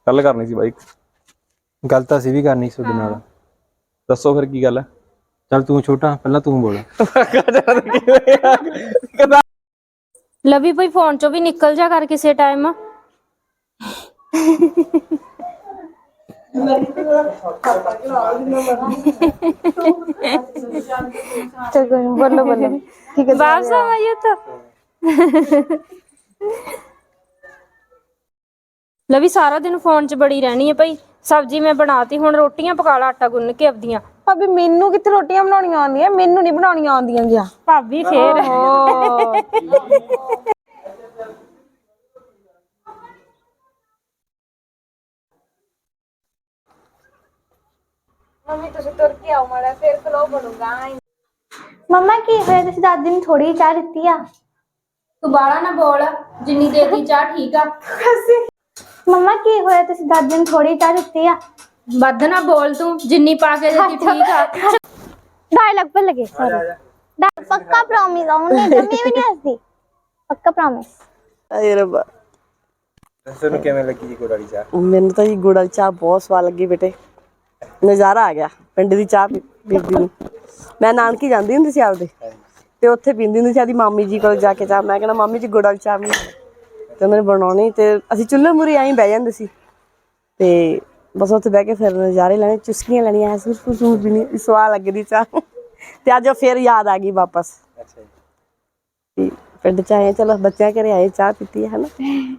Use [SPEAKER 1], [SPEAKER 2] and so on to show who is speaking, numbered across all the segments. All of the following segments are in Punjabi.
[SPEAKER 1] ਗੱਲ ਕਰਨੀ ਸੀ ਬਾਈ।
[SPEAKER 2] ਗੱਲ ਤਾਂ ਅਸੀਂ ਵੀ ਕਰਨੀ ਸੀ ਤੁਹਾਡੇ ਨਾਲ।
[SPEAKER 1] ਦੱਸੋ ਫਿਰ ਕੀ ਗੱਲ ਹੈ?
[SPEAKER 2] ਚੱਲ ਤੂੰ ਛੋਟਾ, ਪਹਿਲਾਂ ਤੂੰ ਬੋਲ।
[SPEAKER 3] ਲਵੀ ਭਾਈ ਫੋਨ ਚੋਂ ਵੀ ਨਿਕਲ ਜਾ ਕਰ ਕਿਸੇ ਟਾਈਮ।
[SPEAKER 4] बोलो बोलो ठीक है
[SPEAKER 3] बाप समझिए तो। लवी सारा दिन फोन च बड़ी रहनी है भाई। सब्जी मैं बनाती हुण रोटियां पका ला आटा गुन्न के अपदियां।
[SPEAKER 4] भाभी मेनू कित्थे रोटियां बनाउणियां आउंदियां मेनू नहीं बनाउणियां आउंदियां गया
[SPEAKER 3] भाभी फिर
[SPEAKER 4] मम्मी तुसी तुर के आओ माड़ा फिर खलो बनूंगा। मम्मा की होया तुसी दादी ने थोड़ी चाह दित्ती आ।
[SPEAKER 3] तू बाला ना बोल, जिन्नी देती चाह ठीक आ।
[SPEAKER 4] मम्मा की होया तुसी दादी ने थोड़ी चाह दित्ती आ।
[SPEAKER 3] बद ना बोल तू, जिन्नी पाके देती ठीक आ।
[SPEAKER 4] डायलॉग पे लगे सॉरी। पक्का प्रॉमिस आऊं नहीं मैं भी नहीं हंसती। पक्का प्रॉमिस।
[SPEAKER 5] अरे रब्बा
[SPEAKER 2] ਤੈਨੂੰ ਕਿਵੇਂ ਲੱਗੀ ਜੀ ਗੁੜ ਵਾਲੀ ਚਾਹ?
[SPEAKER 5] ਮੈਨੂੰ ਤਾਂ ਜੀ ਗੁੜ ਵਾਲੀ ਚਾਹ ਬਹੁਤ ਸਵਾਦ ਲੱਗੀ ਬੇਟੇ। ਨਜ਼ਾਰਾ ਆ ਗਿਆ ਪਿੰਡ ਦੀ ਚਾਹ ਪੀਂਦੀ ਨੂੰ। ਮੈਂ ਨਾਨਕੀ ਜਾਂਦੀ ਹੁੰਦੀ ਸੀ ਆਪਦੇ ਤੇ ਉੱਥੇ ਪੀਂਦੀ ਹੁੰਦੀ ਸੀ ਆਦੀ ਮਾਮੀ ਜੀ ਕੋਲ ਜਾ ਕੇ ਚਾਹ। ਮੈਂ ਕਹਿੰਦਾ ਮਾਮੀ ਜੀ ਗੁੜ ਵਾਲੀ ਚਾਹ ਬਣਾ ਤੇ ਉਹਨਾਂ ਨੇ ਬਣਾਉਣੀ ਤੇ ਅਸੀਂ ਚੁੱਲ੍ਹੇ ਮੂਹਰੇ ਐਂ ਬਹਿ ਜਾਂਦੇ ਸੀ ਤੇ ਬਸ ਉੱਥੇ ਬਹਿ ਕੇ ਫਿਰ ਨਜ਼ਾਰੇ ਲੈਣੇ, ਚੁਸਕੀਆਂ ਲੈਣੀਆਂ, ਸੁਰ ਪੀਣੀ, ਸਵਾਦ ਲੱਗਦੀ ਚਾਹ। ਤੇ ਅੱਜ ਫਿਰ ਯਾਦ ਆ ਗਈ ਵਾਪਸ।
[SPEAKER 2] ਅੱਛਾ ਜੀ।
[SPEAKER 5] ਪਿੰਡ ਚ ਆਏ ਚਲੋ ਬੱਚਿਆਂ ਘਰੇ ਆਏ ਚਾਹ ਪੀਤੀ ਹੈ ਨਾ।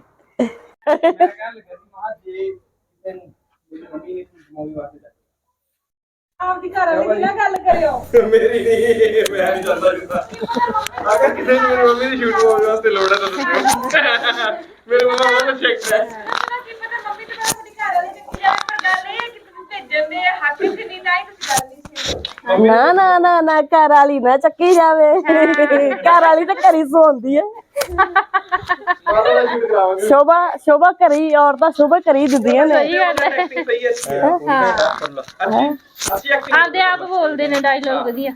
[SPEAKER 4] ਆਪਦੀ ਘਰ ਵਾਲੀ ਦੀ ਨਾ ਗੱਲ ਕਰਿਓ।
[SPEAKER 1] ਮੇਰੀ ਨਹੀਂ, ਮੈਂ ਨਹੀਂ ਜਾਂਦਾ ਜਿੱਦਾਂ ਅਗਰ ਕਿਸੇ ਨੂੰ ਮੇਰੀ ਮੰਮੀ ਦੀ ਸ਼ੂਟ ਹੋਣ ਵਾਸਤੇ ਲੋੜ ਹੈ ਤਾਂ ਦੱਸਿਓ। ਮੇਰੇ ਮੰਮਾ ਬਹੁਤ ਚੈੱਕ ਹੈ।
[SPEAKER 4] ਕੀ ਪਤਾ ਮੰਮੀ ਤੇ ਆਪਣੀ ਘਰ ਵਾਲੀ ਦੀ ਕੀ ਪਰ ਗੱਲ ਇਹ ਕਿ ਤੁਸੀਂ ਭੇਜਣ ਦੇ ਹੱਥ ਚ ਨਹੀਂ ਤਾਂ ਹੀ ਤੁਸੀਂ ਗੱਲ ਨਹੀਂ ਸੀ।
[SPEAKER 5] ਨਾ ਨਾ ਨਾ ਨਾ ਘਰ ਵਾਲੀ ਨਾ ਚੱਕੀ ਜਾਵੇ। ਘਰ ਵਾਲੀ ਤਾਂ ਘਰੀ ਸੌਂਦੀ ਹੈ। ਸ਼ੋਭਾ ਕਰੀ ਔਰਤਾਂ ਸ਼ੋਭਾ ਕਰੀ ਦਿੰਦੀਆਂ ਨੇ।
[SPEAKER 3] आदे आप बोलते ने डायलॉग वधिया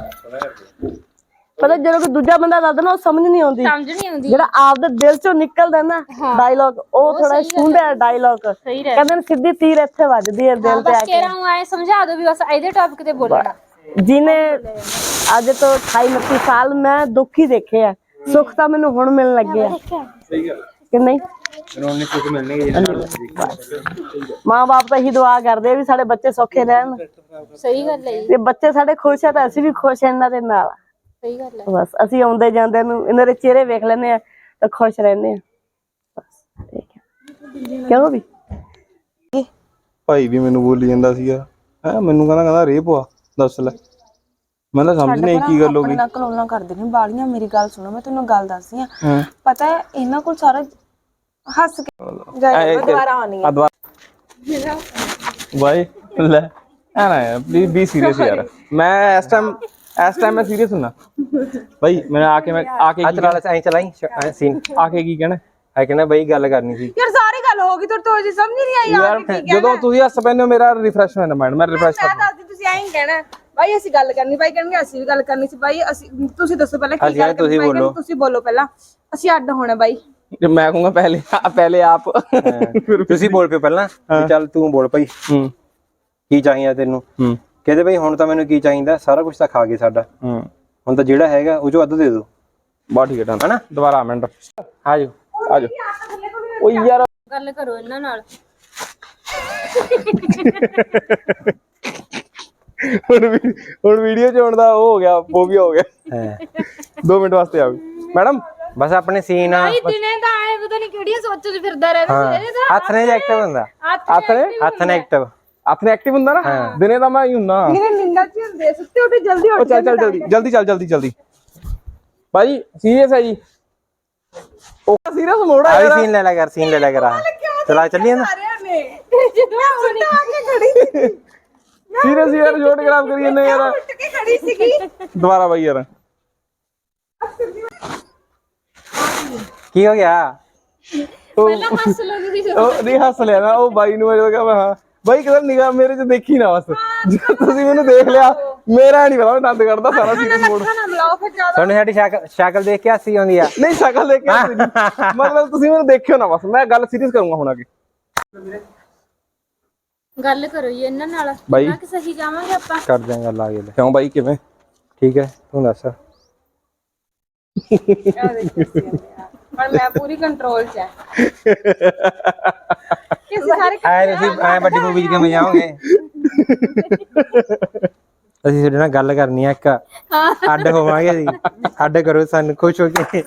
[SPEAKER 5] ਪਤਾ ਜਦੋਂ ਕੋਈ ਦੂਜਾ ਬੰਦਾ ਦੱਸਦਾ ਨਾ ਉਹ ਸਮਝ ਨਹੀਂ ਆਉਂਦੀ।
[SPEAKER 3] समझ नहीं आउंदी
[SPEAKER 5] ਜਿਹੜਾ ਆਪਦੇ ਦਿਲ ਚੋਂ ਨਿਕਲਦਾ ਨਾ ਡਾਇਲੌਗ ਉਹ ਥੋੜਾ ਸੁੰਦਰ ਡਾਇਲੌਗ ਕਹਿੰਦੇ ਨੇ ਸਿੱਧੀ ਤੀਰ ਇੱਥੇ ਵੱਜਦੀ ਹੈ ਦਿਲ ਤੇ ਆ
[SPEAKER 3] बस कह रहा हूं आए समझा दो भी बस ਇਹਦੇ ਟੌਪਿਕ ਤੇ ਬੋਲਣਾ।
[SPEAKER 5] ਜਿਹਨੇ ਅੱਜ ਤੋਂ 28-29 ਸਾਲ ਮੈਂ ਦੁੱਖ ਹੀ ਦੇਖੇ ਆ, ਸੁੱਖ ਤਾਂ ਮੈਨੂੰ ਹੁਣ ਮਿਲਣ ਲੱਗੇ ਆ।
[SPEAKER 1] ਸਹੀ ਗੱਲ
[SPEAKER 5] ਕਿ ਨਹੀਂ?
[SPEAKER 2] ਮੈਨੂੰ ਉਹਨੇ ਸੁੱਖ ਮਿਲਣਗੇ ਜਿਹਨਾਂ
[SPEAKER 5] ਮਾਂ ਬਾਪ ਤਾਂ ਇਹੀ ਦੁਆ ਕਰਦੇ ਆ ਵੀ ਸਾਡੇ ਬੱਚੇ ਸੌਖੇ ਰਹਿਣ
[SPEAKER 3] ਸਹੀ ਗੱਲ ਹੈ
[SPEAKER 5] ਤੇ ਬੱਚੇ ਸਾਡੇ ਖੁਸ਼ ਆ ਤਾਂ ਅਸੀਂ ਵੀ ਖੁਸ਼ ਆ ਇਹਨਾਂ ਦੇ ਨਾਲ।
[SPEAKER 3] ਸਹੀ ਗੱਲ ਹੈ।
[SPEAKER 5] ਬਸ ਅਸੀਂ ਆਉਂਦੇ ਜਾਂਦੇ ਨੂੰ ਇਹਨਾਂ ਦੇ ਚਿਹਰੇ ਵੇਖ ਲੈਂਦੇ ਆ ਤਾਂ ਖੁਸ਼ ਰਹਿੰਦੇ ਆ। ਬਸ ਠੀਕ ਹੈ। ਕਿਉਂ ਵੀ
[SPEAKER 1] ਭਾਈ ਵੀ ਮੈਨੂੰ ਬੋਲੀ ਜਾਂਦਾ ਸੀਗਾ ਹੈ, ਮੈਨੂੰ ਕਹਿੰਦਾ ਰੇਪ ਆ। ਦੱਸ ਲੈ, ਮੈਂ ਤਾਂ ਸਮਝ ਨਹੀਂ ਕੀ ਗੱਲ ਹੋ ਗਈ।
[SPEAKER 6] ਕਲੋਲਾਂ ਕਰਦੇ ਨੇ ਬਾਲੀਆਂ। ਮੇਰੀ ਗੱਲ ਸੁਣੋ, ਮੈਂ ਤੈਨੂੰ ਗੱਲ ਦੱਸਦੀ ਆ। ਪਤਾ ਹੈ ਇਹਨਾਂ ਕੋਲ ਸਾਰਾ ਹੱਸ ਕੇ ਦੁਬਾਰਾ ਆਉਣੀ ਹੈ।
[SPEAKER 1] ਬਾਈ ਲੈ ਆ ਨਾ ਯਾਰ, ਪਲੀਜ਼ ਬੀ ਸੀਰੀਅਸ ਯਾਰ। ਮੈਂ ਇਸ ਟਾਈਮ ਮੈਂ ਸੀਰੀਅਸ ਹੁੰਨਾ ਬਾਈ। ਮੈਂ ਆ ਕੇ
[SPEAKER 2] ਅੱਜ ਨਾਲ ਐਂ ਚਲਾਈ ਸੀਨ
[SPEAKER 1] ਆ ਕੇ ਕੀ ਕਹਿਣਾ
[SPEAKER 2] ਹੈ ਕਹਿੰਦਾ ਬਈ ਗੱਲ ਕਰਨੀ ਸੀ
[SPEAKER 4] ਯਾਰ ਸਾਰੀ ਗੱਲ ਹੋ ਗਈ ਤੋਂ ਜੀ ਸਮਝ ਨਹੀਂ ਆਈ
[SPEAKER 1] ਯਾਰ। ਜਦੋਂ ਤੁਸੀਂ ਹੱਸ ਪੈਂਦੇ ਹੋ ਮੇਰਾ ਰਿਫਰੈਸ਼ ਹੋ ਜਾਂਦਾ ਮਾਈਂਡ। ਮੈਂ ਰਿਫਰੈਸ਼
[SPEAKER 4] ਮੈਂ ਦੱਸਦੀ ਤੁਸੀਂ ਐਂ ਹੀ ਕਹਿਣਾ ਬਾਈ ਅਸੀਂ ਗੱਲ ਕਰਨੀ। ਬਾਈ ਕਹਿਣਗੇ ਅਸੀਂ ਵੀ ਗੱਲ ਕਰਨੀ ਸੀ। ਬਾਈ ਅਸੀਂ ਤੁਸੀਂ ਦੱਸੋ ਪਹਿਲਾਂ ਕੀ ਗੱਲ ਕਰਨੀ। ਬਾਈ ਕਹਿੰਦੇ ਤੁਸੀਂ ਬੋਲੋ ਪਹਿਲਾਂ, ਅਸੀਂ ਅੱਡ ਹੋਣਾ। ਬਾਈ
[SPEAKER 1] ਮੈਂ ਕਹੂੰਗਾ ਪਹਿਲੇ ਆਪ
[SPEAKER 2] ਤੁਸੀਂ ਬੋਲ ਪਿਓ ਪਹਿਲਾਂ। ਚੱਲ ਤੂੰ ਬੋਲ ਭਾਈ ਕੀ ਚਾਹੀਦਾ ਤੈਨੂੰ? ਕਹਿੰਦੇ ਬਈ ਹੁਣ ਤਾਂ ਮੈਨੂੰ ਕੀ ਚਾਹੀਦਾ, ਸਾਰਾ ਕੁਝ ਤਾਂ ਖਾ ਗਏ ਸਾਡਾ, ਹੁਣ ਤਾਂ ਜਿਹੜਾ ਹੈਗਾ ਉਹ ਚੋਂ ਅੱਧ ਦੇ ਦਿਓ।
[SPEAKER 1] ਬਾ ਠੀਕ ਹੈ ਨਾ। ਦੁਬਾਰਾ ਮਿੰਟ
[SPEAKER 2] ਆ ਜਾਓ
[SPEAKER 1] ਆ ਜਾਓ। ਓ ਯਾਰ
[SPEAKER 3] ਗੱਲ ਕਰੋ ਇਹਨਾਂ ਨਾਲ।
[SPEAKER 1] ਹੁਣ ਵੀਡੀਓ ਚ ਆਉਣ ਦਾ ਉਹ ਹੋ ਗਿਆ, ਫੋਬੀਆ ਹੋ ਗਿਆ। 2 ਮਿੰਟ ਵਾਸਤੇ ਆ ਮੈਡਮ।
[SPEAKER 2] ਬਸ ਆਪਣੇ ਸੀਨ
[SPEAKER 3] ਭਾਈ ਦਿਨੇ ਤਾਂ ਆਏ ਪਤਾ ਨਹੀਂ ਕਿਹੜੀਆਂ ਸੋਚਾਂ 'ਚ ਫਿਰਦਾ ਰਹਿੰਦਾ ਸੀ। ਇਹਦੇ ਤਾਂ
[SPEAKER 2] ਹੱਥ ਨੇ ਐਕਟਿਵ ਹੁੰਦਾ। ਹੱਥ ਨੇ ਐਕਟਿਵ
[SPEAKER 1] ਆਪਣੇ ਐਕਟਿਵ ਹੁੰਦਾ ਨਾ। ਦਿਨੇ ਤਾਂ ਮੈਂ ਹੀ ਹੁੰਨਾ।
[SPEAKER 4] ਇਹਨੇ ਨਿੰਦਾ ਚ ਹੁੰਦੇ ਸੁੱਤੇ ਉੱਠੇ ਜਲਦੀ ਉੱਠ
[SPEAKER 1] ਚੱਲ ਜਲਦੀ ਭਾਈ ਸੀਰੀਅਸ ਹੈ ਜੀ। ਉਹ ਸੀਰੀਅਸ ਮੋੜ ਆ ਯਾਰ।
[SPEAKER 2] ਸੀਨ ਲੈ ਲਿਆ ਕਰ ਚਲਾ ਚੱਲੀਏ ਨਾ।
[SPEAKER 4] ਸਾਰਿਆਂ ਨੇ ਜਦੋਂ ਸੁੱਤਾ ਆ ਕੇ ਖੜੀ ਸੀ
[SPEAKER 1] ਸੀਰੀਅਸ ਯਾਰ, ਜੋੜ ਖਰਾਬ ਕਰੀ ਜਾਂਦੇ ਯਾਰ।
[SPEAKER 4] ਉੱਠ ਕੇ ਖੜੀ ਸੀਗੀ।
[SPEAKER 1] ਦੁਬਾਰਾ ਬਾਈ ਯਾਰ।
[SPEAKER 2] ਕੀ ਹੋ ਗਿਆ?
[SPEAKER 3] ਪਹਿਲਾਂ ਹੱਸ ਲਓ ਤੁਸੀਂ।
[SPEAKER 1] ਉਹ ਨਹੀਂ ਹੱਸ ਲਿਆ ਨਾ ਉਹ ਬਾਈ ਨੂੰ। ਮੈਂ ਕਿਹਾ ਹਾਂ ਬਾਈ ਕਿਦਾਂ ਨਿਗਾਹ ਮੇਰੇ ਚ ਦੇਖੀ ਨਾ ਬਸ। ਜਦੋਂ ਤੁਸੀਂ ਮੈਨੂੰ ਦੇਖ ਲਿਆ ਮੇਰਾ ਨਹੀਂ ਪਤਾ, ਮੈਂ ਦੰਦ ਕੱਢਦਾ ਸਾਰਾ ਸੀਰੀਅਸ ਮੋੜ।
[SPEAKER 4] ਨਾ ਮਿਲਾਓ ਫਿਰ ਜ਼ਿਆਦਾ।
[SPEAKER 2] ਤੁਹਾਨੂੰ ਸਾਡੀ ਸ਼ਕਲ ਦੇਖ ਕੇ ਹੱਸੀ ਆਉਂਦੀ ਆ?
[SPEAKER 1] ਨਹੀਂ ਸ਼ਕਲ ਦੇਖ ਕੇ ਮਤਲਬ ਤੁਸੀਂ ਮੈਨੂੰ ਦੇਖਿਓ ਨਾ ਬਸ। ਮੈਂ ਗੱਲ ਸੀਰੀਅਸ ਕਰੂੰਗਾ ਹੁਣ ਅੱਗੇ।
[SPEAKER 3] ਗੱਲ ਕਰੋ ਜੀ ਇਹਨਾਂ ਨਾਲ
[SPEAKER 7] ਬਾਈ।
[SPEAKER 3] ਕਿੰਨਾ ਕਿ ਸਹੀ ਜਾਵਾਂਗੇ ਆਪਾਂ।
[SPEAKER 2] ਕਰ ਦਿਆਂ ਗੱਲ ਆ ਗਈ ਲੈ।
[SPEAKER 7] ਕਿਉਂ ਬਾਈ ਕਿਵੇਂ?
[SPEAKER 2] ਠੀਕ ਹੈ ਤੂੰ ਦੱਸ।
[SPEAKER 4] ਪਰ ਮੈਂ ਪੂਰੀ ਕੰਟਰੋਲ 'ਚ ਹੈ। ਕਿਸੇ ਸਾਰੇ
[SPEAKER 2] ਐ ਤੁਸੀਂ ਐ ਵੱਡੀ ਮੂਵੀ 'ਚ ਕਿਵੇਂ ਜਾਓਗੇ? ਅਸੀਂ ਤੁਹਾਡੇ ਨਾਲ ਗੱਲ ਕਰਨੀ ਆ ਇੱਕ ਅੱਡ ਹੋਵਾਂਗੇ ਅਸੀਂ ਅੱਡ ਕਰੋ ਸਾਨੂੰ ਖੁਸ਼ ਹੋ ਕੇ।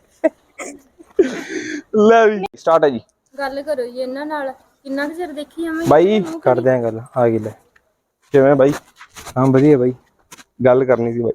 [SPEAKER 7] ਲੈ ਵੀ ਸਟਾਰਟ ਹੈ ਜੀ।
[SPEAKER 3] ਗੱਲ ਕਰੋ ਜੀ ਇਹਨਾਂ ਨਾਲ ਕਿੰਨਾ ਕੁ ਚਿਰ ਦੇਖੀ ਜਾਵਾਂਗੇ।
[SPEAKER 7] ਬਾਈ
[SPEAKER 2] ਕਰ ਦਿਆਂ ਗੱਲ ਆ ਗਈ ਲੈ।
[SPEAKER 7] ਕਿਵੇਂ ਬਾਈ?
[SPEAKER 2] ਹਾਂ ਵਧੀਆ ਬਾਈ।
[SPEAKER 7] ਗੱਲ ਕਰਨੀ ਸੀ ਬਾਈ।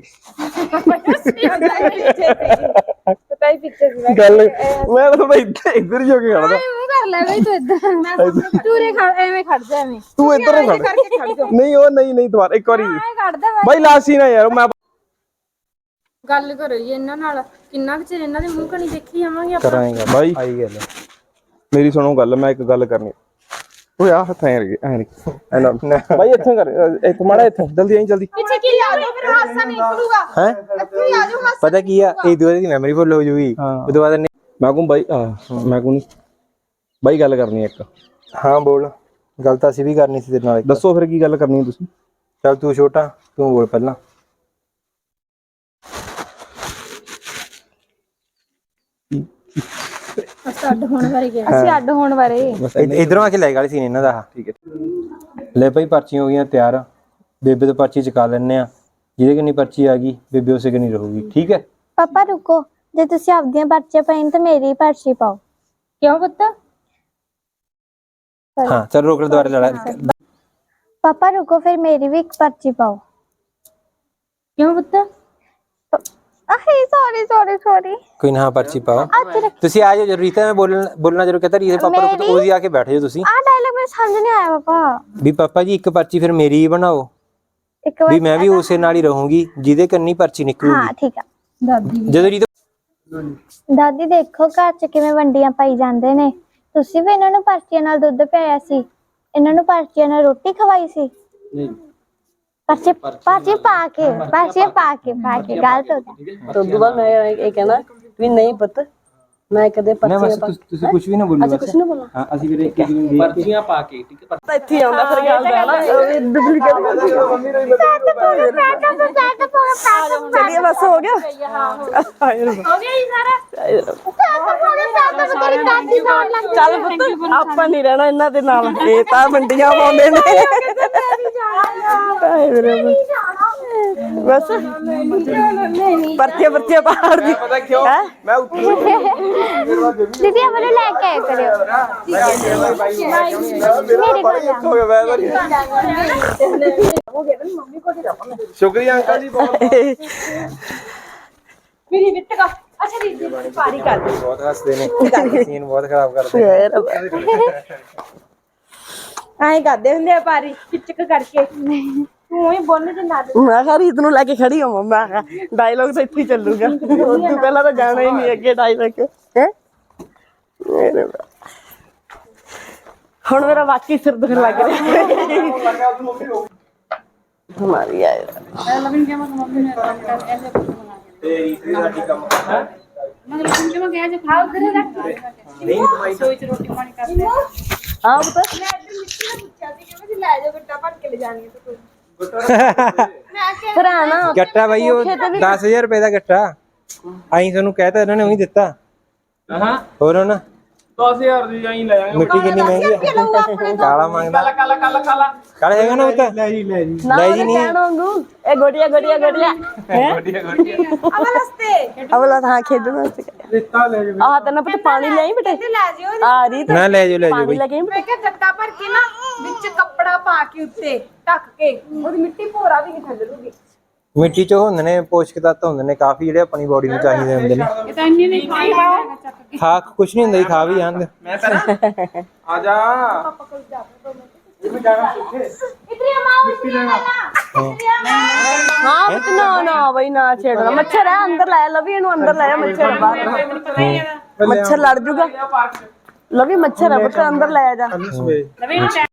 [SPEAKER 4] ਪਤਾ ਹੀ ਪਿੱਛੇ ਸੀ
[SPEAKER 7] ਗੱਲ ਮੈਂ ਤਾਂ ਬਾਈ ਇੱਧਰ ਹੀ ਹੋ ਕੇ ਖੜਦਾ।
[SPEAKER 3] ਮੂੰਹ ਕਰ ਲੈ ਬਈ ਤੂੰ ਇਦਾਂ ਤੂਰੇ ਖੜ ਐਵੇਂ ਖੜ ਜਾ ਐਵੇਂ
[SPEAKER 7] ਤੂੰ ਇੱਧਰ ਨੂੰ ਖੜ। ਨਹੀਂ ਉਹ ਨਹੀਂ ਦੁਬਾਰਾ ਇੱਕ ਵਾਰੀ
[SPEAKER 3] ਐ ਖੜਦਾ
[SPEAKER 7] ਬਾਈ ਲਾਸਟ ਸੀਨ ਆ ਯਾਰ। ਮੈਂ
[SPEAKER 3] ਗੱਲ ਕਰੋ ਜੀ ਇਹਨਾਂ ਨਾਲ ਕਿੰਨਾ ਕੁ ਚਿਰ ਇਹਨਾਂ ਦੇ ਮੂੰਹ ਕਣੀ ਦੇਖੀ ਜਾਵਾਂਗੇ ਆਪਾਂ।
[SPEAKER 2] ਕਰਾਂਗੇ
[SPEAKER 7] ਬਾਈ
[SPEAKER 2] ਆਈ ਗੱਲ।
[SPEAKER 7] ਮੇਰੀ ਸੁਣੋ ਗੱਲ, ਮੈਂ ਇੱਕ ਗੱਲ ਕਰਨੀ। ਓਏ ਆ ਹੱਥ ਐ ਨਹੀਂ ਬਾਈ ਇੱਥੇ ਕਰ ਇੱਕ ਮਾੜਾ ਇੱਥੇ ਜਲਦੀ ਆਈ ਜਲਦੀ।
[SPEAKER 4] ਪਿੱਛੇ ਕੀ ਆ ਜਾਓ ਫਿਰ ਹਾਸਾ ਨਿਕਲੂਗਾ।
[SPEAKER 2] ਹੈ
[SPEAKER 4] ਇੱਥੇ ਹੀ ਆ ਜਾਓ ਹਾਸਾ।
[SPEAKER 2] ਪਤਾ ਕੀ ਆ ਇਹ ਦੂਜੇ ਦੀ ਮੈਮਰੀ ਫੁੱਲ ਹੋ ਜੂਗੀ ਉਹ ਤੋਂ ਬਾਅਦ
[SPEAKER 7] ਮੈਂ ਕਹੂੰ ਬਾਈ ਮੈਂ ਕਹੂੰ ਬਾਈ ਗੱਲ ਕਰਨੀ ਇੱਕ।
[SPEAKER 2] ਹਾਂ ਬੋਲ। ਗੱਲ ਤਾਂ ਅਸੀਂ ਵੀ ਕਰਨੀ ਸੀ ਤੇਰੇ ਨਾਲ ਇੱਕ।
[SPEAKER 7] ਦੱਸੋ ਫਿਰ ਕੀ ਗੱਲ ਕਰਨੀ ਹੈ ਤੁਸੀਂ?
[SPEAKER 2] ਚੱਲ ਤੂੰ ਛੋਟਾ ਤੂੰ ਬੋਲ ਪਹਿਲਾਂ।
[SPEAKER 3] ਅਸੀਂ ਅੱਡ ਹੋਣ ਬਾਰੇ ਗਿਆ।
[SPEAKER 4] ਅਸੀਂ ਅੱਡ ਹੋਣ ਬਾਰੇ।
[SPEAKER 2] ਇਧਰੋਂ ਆ ਕੇ ਲੈ ਗਏ ਸੀ ਇਹਨਾਂ ਦਾ।
[SPEAKER 7] ਠੀਕ ਹੈ
[SPEAKER 2] ਲੈ ਭਾਈ ਪਰਚੀਆਂ ਹੋ ਗਈਆਂ ਤਿਆਰ। ਬੇਬੇ ਤੋਂ ਪਰਚੀ ਚੁਕਾ ਲੈਣੇ ਆ। ਜਿਹਦੇ ਕਿੰਨੀ ਪਰਚੀ ਆ ਗਈ ਬੇਬੇ ਉਸੇ ਕਿੰਨੀ ਰਹੂਗੀ। ਠੀਕ ਹੈ
[SPEAKER 8] ਪਾਪਾ ਰੁਕੋ, ਜੇ ਤੁਸੀਂ ਆਪਦੀਆਂ ਪਰਚੀਆਂ ਪਾਈਆਂ ਤਾਂ ਮੇਰੀ ਪਰਚੀ ਪਾਓ।
[SPEAKER 3] ਕਿਉਂ ਪੁੱਤ?
[SPEAKER 2] ਹਾਂ ਚਲ ਰੋਕ ਲੈ ਦੁਬਾਰਾ ਲੜਾ।
[SPEAKER 8] ਪਾਪਾ ਰੁਕੋ, ਫਿਰ ਮੇਰੀ ਵੀ ਇੱਕ ਪਰਚੀ ਪਾਓ।
[SPEAKER 3] ਕਿਉਂ ਪੁੱਤ?
[SPEAKER 8] ਆਹੇ ਸੌਰੀ
[SPEAKER 2] ਕੋਈ ਨਾ ਪਰਚੀ ਪਾਓ।
[SPEAKER 8] ਅੱਜ ਰੱਖ
[SPEAKER 2] ਤੁਸੀਂ ਆ ਜਾਓ ਜਰੂਰ। ਰੀਤਾ ਮੈਂ ਬੋਲਣਾ ਜਰੂਰ ਕਹਤਾ ਰੀਤਾ ਪਾਪਾ ਨੂੰ ਉਹਦੀ ਆ ਕੇ ਬੈਠ ਜਾਓ ਤੁਸੀਂ।
[SPEAKER 8] ਆ ਡਾਇਲੌਗ ਮੈਨੂੰ ਸਮਝ ਨਹੀਂ ਆਇਆ ਪਾਪਾ।
[SPEAKER 2] ਵੀ ਪਾਪਾ ਜੀ ਇੱਕ ਪਰਚੀ ਫਿਰ ਮੇਰੀ ਹੀ ਬਣਾਓ
[SPEAKER 8] ਇੱਕ ਵਾਰ
[SPEAKER 2] ਵੀ ਮੈਂ ਵੀ ਉਸੇ ਨਾਲ ਹੀ ਰਹੂੰਗੀ ਜਿਹਦੇ ਕੰਨੀ ਪਰਚੀ
[SPEAKER 8] ਹਾਂ
[SPEAKER 2] ਨਿਕਲੂਗੀ।
[SPEAKER 8] ਠੀਕ ਆ।
[SPEAKER 2] ਜਦੋਂ ਰੀਤਾ
[SPEAKER 8] ਦਾਦੀ ਦੇਖੋ ਘਰ 'ਚ ਕਿਵੇਂ ਵੰਡੀਆਂ ਪਾਈ ਜਾਂਦੇ ਨੇ। ਤੁਸੀਂ ਵੀ ਇਹਨਾਂ ਨੂੰ ਪਰਚੀਆਂ ਨਾਲ ਦੁੱਧ ਪਿਆਇਆ ਸੀ, ਇਹਨਾਂ ਨੂੰ ਪਰਚੀਆਂ ਨਾਲ ਰੋਟੀ ਖਵਾਈ ਸੀ। ਪਰਚੀ ਪਾ ਕੇ ਗਲਤ ਹੋ ਗਿਆ।
[SPEAKER 5] ਤੋਂ ਦੁਬਾਰਾ ਮੈਂ ਇਹ ਕਹਿਣਾ ਵੀ ਨਹੀਂ ਪੁੱਤ, ਮੈਂ ਕਦੇ
[SPEAKER 2] ਨਾ ਬਸ
[SPEAKER 5] ਪਰਚੀਆਂ
[SPEAKER 2] ਤੁਸੀਂ ਕੁਝ ਵੀ ਨਾ ਬੋਲੋ।
[SPEAKER 5] ਕੁਛ ਨਾ ਬੋਲਾਂ।
[SPEAKER 2] ਹਾਂ ਅਸੀਂ ਫਿਰ ਇੱਕ ਦਿਨ ਦੇਖ ਪਰਚੀਆਂ ਪਾ ਕੇ ਠੀਕ ਹੈ।
[SPEAKER 5] ਤਾਂ ਇੱਥੇ ਆਉਂਦਾ ਫਿਰ ਗੱਲ ਦਾ ਨਾ ਡੁਪਲੀਕੇਟ ਚਲਿਏ ਬਸ ਹੋ ਗਿਆ।
[SPEAKER 3] ਹੋ ਗਿਆ ਜੀ ਸਾਰਾ।
[SPEAKER 5] ਚੱਲ ਪੁੱਤ ਆਪਾਂ ਨਹੀਂ ਰਹਿਣਾ ਇਹਨਾਂ ਦੇ ਨਾਲ। ਇਹ ਤਾਂ ਮੰਡੀਆਂ ਪਾਉਂਦੇ ਨੇ। ਬਸ ਪਰਚੇ ਪਾੜ ਦੀ
[SPEAKER 7] ਪਤਾ ਕਿਉਂ ਮੈਂ ਉੱਥੇ
[SPEAKER 8] ਦੀਦੀ ਆਪਣੇ ਲੈ ਕੇ ਆਇਆ ਕਰਿਓ। ਮੇਰੇ ਕੋਲ
[SPEAKER 7] ਹੋ ਗਿਆ ਸ਼ੁਕਰੀਆ ਅੰਕਲ ਜੀ ਬਹੁਤ।
[SPEAKER 4] ਮੇਰੀ ਵਿੱਤ ਕਾ ਅੱਛਾ ਦੀਦੀ ਪਾਰੀ ਕਰ ਦੇ।
[SPEAKER 2] ਬਹੁਤ ਹੱਸਦੇ ਨੇ ਸੀਨ ਬਹੁਤ ਖਰਾਬ ਕਰਦੇ
[SPEAKER 4] ਐਂ ਕਰਦੇ ਹੁੰਦੇ ਆ ਪਾਰੀ ਪਿਚਕ ਕਰਕੇ। ਤੂੰ ਹੀ ਬੋਲ ਜੇ ਨਾ
[SPEAKER 5] ਮੈਂ ਕਿਹਾ ਰੀਤ ਨੂੰ ਲੈ ਕੇ ਖੜੀ ਹਾਂ। ਮੈਂ ਕਿਹਾ ਡਾਇਲੌਗ ਤਾਂ ਇੱਥੇ ਹੀ ਚੱਲੂਗਾ। ਉਸ ਤੋਂ ਪਹਿਲਾਂ ਤਾਂ ਜਾਣਾ ਹੀ ਨਹੀਂ ਅੱਗੇ ਡਾਇਲੌਗ ਹੈ। ਹੁਣ ਮੇਰਾ ਵਾਕਈ ਸਿਰ ਦੁਖਣ ਲੱਗ ਰਿਹਾ। ਹਮਾਰੀ ਆਏ ਹਾਂ ਬਤਾ
[SPEAKER 4] ਲੈ ਜਾ ਗੱਟਾ ਭਰ ਕੇ ਲੈ ਜਾਣੀ ਤੂੰ।
[SPEAKER 5] ਭਰਾ ਨਾ
[SPEAKER 2] ਗੱਟਾ ਬਾਈ ਉਹ 10000 ਰੁਪਏ ਦਾ ਗੱਟਾ ਆਈ ਤੁਹਾਨੂੰ ਕਹਿਤਾ ਇਹਨਾਂ ਨੇ ਉਹੀ ਦਿੱਤਾ।
[SPEAKER 1] ਹਾਂ
[SPEAKER 2] ਹੋਰ ਨਾ
[SPEAKER 1] 10000 ਦੀ ਆਈ ਲੈ ਜਾਵਾਂਗੇ।
[SPEAKER 2] ਮਿੱਟੀ ਕਿੰਨੀ ਮਹਿੰਗੀ ਆ। ਕਾਲਾ ਮੰਗਦਾ ਕਾਲਾ ਹੈਗਾ ਨਾ ਉਹ ਤਾਂ ਲੈ ਜੀ
[SPEAKER 5] ਨਾ
[SPEAKER 2] ਜੀ ਨਹੀਂ
[SPEAKER 5] ਕਹਿਣਾ ਵਾਂਗੂ ਇਹ ਗੋੜੀਆਂ ਅਵਲਾ ਤਾਂ ਖੇਡਣ ਵਾਸਤੇ ਆਹ ਤਾਂ ਨਾ ਪਤਾ ਪਾਣੀ ਲੈ ਆਈ ਬੇਟੇ।
[SPEAKER 4] ਲੈ ਜਿਓ
[SPEAKER 5] ਆ ਰੀਤ
[SPEAKER 2] ਨਾ ਲੈ ਜਾਓ
[SPEAKER 5] ਪਾਣੀ
[SPEAKER 2] ਬਈ।
[SPEAKER 5] ਲੈ ਕੇ ਆਈ
[SPEAKER 4] ਮੈਂ ਕਿਹਾ ਗੱਟਾ ਭਰ ਕੇ ਨਾ ਵਿੱਚ ਕੱਪੜਾ ਪਾ ਕੇ ਉੱਤੇ ਢੱਕ ਕੇ ਉਹਦੀ ਮਿੱਟੀ ਭੋਰਾ ਵੀ ਨਹੀਂ ਥੱਲੂਗੀ।
[SPEAKER 2] ਮਿੱਟੀ ਚ ਹੁੰਦੇ ਨੇ ਪੋਸ਼ਕ ਤੱਤ ਹੁੰਦੇ ਨੇ ਕਾਫੀ ਜਿਹੜੇ ਆਪਣੀ ਬੋਡੀ ਨੂੰ ਚਾਹੀਦੇ ਹੁੰਦੇ ਨੇ।
[SPEAKER 3] ਇਹ ਤਾਂ ਇੰਨੀ ਨਹੀਂ ਖਾਈ।
[SPEAKER 2] ਖਾ ਕੁਛ ਨਹੀਂ ਹੁੰਦਾ ਜੀ ਖਾ ਵੀ ਜਾਂਦੇ।
[SPEAKER 1] ਮੈਂ ਪਹਿਲਾਂ ਆ ਜਾ
[SPEAKER 5] ਹਾਂ ਪੁੱਤ ਨਾ ਬਈ ਨਾ ਛੇੜਨਾ। ਮੱਛਰ ਹੈ ਅੰਦਰ ਲੈ ਲਵੀ ਇਹਨੂੰ ਅੰਦਰ ਲੈ ਮੱਛਰ ਬਾਹਰ ਮੱਛਰ ਲੜ ਜੂਗਾ। ਲਵੀ ਮੱਛਰ ਹੈ ਪੁੱਤ ਅੰਦਰ ਲੈ ਜਾ।